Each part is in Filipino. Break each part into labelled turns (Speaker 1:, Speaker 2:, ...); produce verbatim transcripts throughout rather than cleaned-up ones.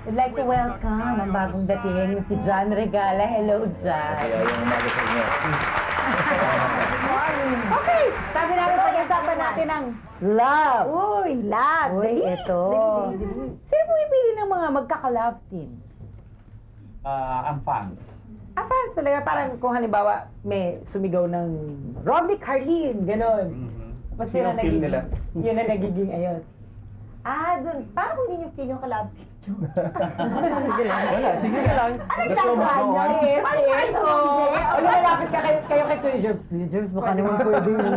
Speaker 1: We'd like to welcome ang bagong dating si John Regala. Hello, John.
Speaker 2: Kaya yung umaga sa inyo.
Speaker 1: Good morning. Okay, sabi namin pag-usapan natin ang love.
Speaker 3: Uy, love.
Speaker 1: Uy,
Speaker 3: Dali.
Speaker 1: ito.
Speaker 3: Dali, dali, dali.
Speaker 1: Sino pumipili ng mga magkaka-love team?
Speaker 2: Ah, ang fans.
Speaker 1: Ah, fans talaga. Parang kung halimbawa may sumigaw ng Romney Carlin, gano'n.
Speaker 2: Mhm.
Speaker 1: Tapos
Speaker 2: Sino
Speaker 1: yun ang
Speaker 2: feel
Speaker 1: nagiging,
Speaker 2: nila?
Speaker 1: yun ang nagiging ayos. Ah, dun. Paano kung hindi nyo feel yung ka-love team?
Speaker 2: Sige lang. Wala, sige lang.
Speaker 1: Ano
Speaker 2: The show must go on.
Speaker 1: Yes, yes. Oh. O lumalapit ka kayo, kayo kay Kuya Jerbs. Kuya Jerbs, baka naman pwede yun.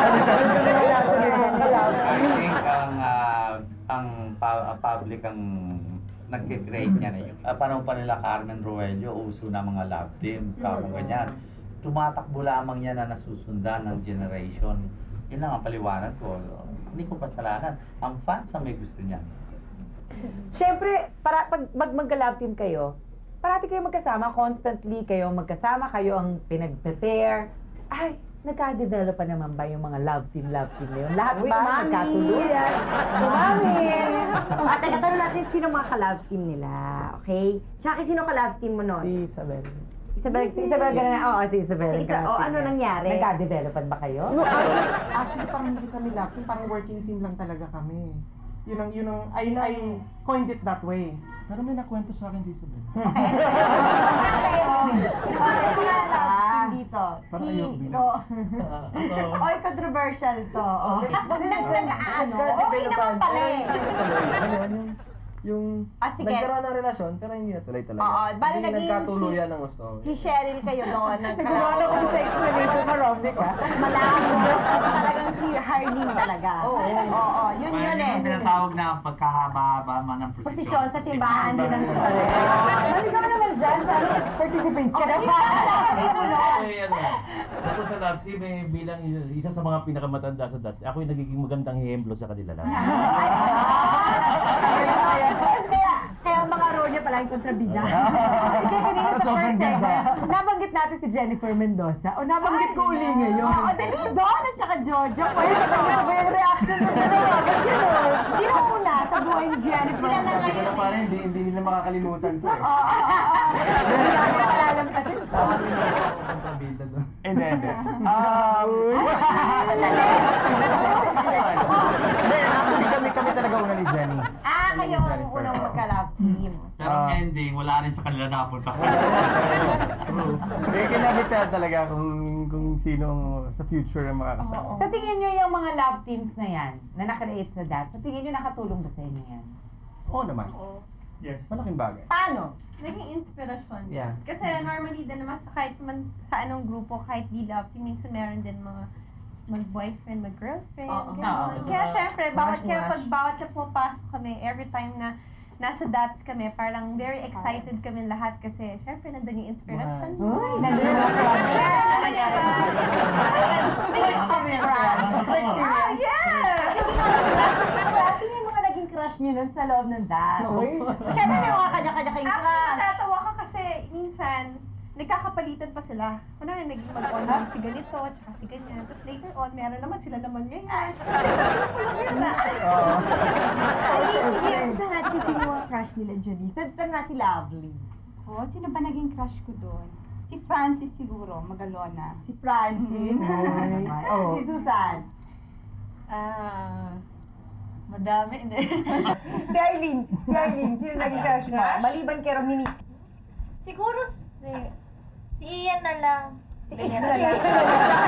Speaker 2: I think ang ah, ang pa- public ang nag-create niya na yun. Uh, panahon pa nila Carmen Roelio, uso na mga love team, kapag ganyan. Tumatakbo lamang yan na nasusundan ng generation. Yun lang ang paliwanag ko. Hindi ko pasalanan. Ang fans ang may gusto niyan.
Speaker 1: Siyempre, para pag mag magka-love team kayo, parati kayo magkasama, constantly kayo magkasama, kayo ang pinag-prepare. Ay, nagka-develop pa naman ba yung mga love team, love team na yun? Lahat
Speaker 3: Uy,
Speaker 1: ba
Speaker 3: umami.
Speaker 1: nagkatuluyan? Umami!
Speaker 3: At tatanong natin sino mga ka-love team nila, okay? Tsaka sino ka-love team mo nun?
Speaker 1: Si Isabel.
Speaker 3: Isabel.
Speaker 1: Si Isabel, gano'n na. Oo, si Isabel.
Speaker 3: Si Isa-
Speaker 1: nagka-love
Speaker 3: oh,
Speaker 1: team
Speaker 3: ano
Speaker 1: yan.
Speaker 3: nangyari?
Speaker 1: Nagka-developan ba kayo?
Speaker 4: No, actually, actually parang hindi kami love team, parang working team lang talaga kami. Yun ang, yun ang, I, I coined it that way.
Speaker 5: Pero may nakwento sa akin si Isabel.
Speaker 3: Ah, dito.
Speaker 5: Parang
Speaker 3: Si,
Speaker 5: ayok bilang.
Speaker 3: oh. Oy, controversial to. Oh. Nag, nag, ano, okay naman pala eh.
Speaker 5: Ano, yung, yung
Speaker 3: Ah, sige.
Speaker 5: nagkaroon ng relasyon, pero hindi natuloy talaga.
Speaker 3: Oo, bali
Speaker 5: hindi
Speaker 3: naging
Speaker 5: nagkatuluyan
Speaker 3: si-
Speaker 5: ng gusto.
Speaker 3: Si Cheryl kayo doon.
Speaker 1: Nagkawala ko sa explanation mo, Romney, ka?
Speaker 3: Tapos malabo. Tapos talagang si Harleen talaga. Oo, oo, yun yun eh.
Speaker 2: Yung tinatawag na pagkahaba-haba man ng posisyon.
Speaker 3: Posisyon sa simbahan din ang
Speaker 1: Maligaw naman dyan. Sabi, participate ka na.
Speaker 6: Ay, ano, ako sa love team, eh, bilang isa, isa sa mga pinakamatanda sa dance, ako yung nagiging magandang hiyemblo sa kanila lang.
Speaker 3: Kaya, kaya ang mga role niya pala yung kontrabida.
Speaker 1: Sige, kanina sa first segment, nabanggit natin si Jennifer Mendoza. O nabanggit ko uli ngayon.
Speaker 3: Oo, dali doon at saka Jojo. Pwede sa kanya ba yung reaction mo dalawa? Ba't yun? Sino una sa buhay ni Jennifer? Sila na
Speaker 5: Pero
Speaker 3: ngayon.
Speaker 5: parang hindi, hindi nila makakalimutan to eh.
Speaker 3: Oo, oo, oo. Hindi namin nakalalam kasi ito.
Speaker 5: Kontrabida doon.
Speaker 2: Hindi, hindi. Um,
Speaker 5: Hindi, actually kami, kami talaga una ni Jenny.
Speaker 3: Ah, kayo ang unang magka-love team.
Speaker 2: Pero ang
Speaker 5: Ah.
Speaker 2: ending, wala rin sa kanila napunta.
Speaker 5: True. Kaya kinabita talaga kung, kung sino sa future ang makakasama.
Speaker 1: Sa tingin nyo yung mga love teams na yan, na nakreate sa that, sa tingin nyo nakatulong ba sa inyo yan?
Speaker 5: Oo naman.
Speaker 2: Yes.
Speaker 5: Malaking bagay.
Speaker 3: Paano?
Speaker 7: Naging inspirasyon.
Speaker 5: Yeah.
Speaker 7: Kasi normally din naman sa kahit man sa anong grupo, kahit di love team, minsan meron din mga mag-boyfriend, mag-girlfriend.
Speaker 3: Oo.
Speaker 7: ganun.
Speaker 2: Oo.
Speaker 7: Kaya syempre, bawat,
Speaker 5: Mash,
Speaker 7: kaya
Speaker 5: mash.
Speaker 7: pag bawat na pumapasok kami, every time na nasa dots kami, parang very excited kami lahat kasi syempre nandun yung inspiration.
Speaker 1: Uy, nandun yung mga
Speaker 4: Experience yan.
Speaker 3: Ah, yeah! Sino yung mga naging crush niyo nun sa loob ng that? Siyempre may mga kanya-kanya kayong
Speaker 7: Actually,
Speaker 3: crush.
Speaker 7: natatawa ka kasi minsan, nagkakapalitan pa sila. Kunwari, naging mag-on si ganito, tsaka si ganyan. Tapos later on, meron naman sila naman ngayon.
Speaker 3: Sa natin kung sino ang crush nila, Janice. Sa na si Lovely.
Speaker 8: Oh, sino ba naging crush ko doon? Si Francis siguro, Magalona.
Speaker 3: Si Francis.
Speaker 1: Oh.
Speaker 3: Si Susan.
Speaker 7: Ah, madami. Hindi.
Speaker 3: Si Arlene. Si Arlene. Sino naging crush mo? Maliban kay Romini.
Speaker 9: Siguro si... Si Ian na lang.
Speaker 3: Si Ian na lang.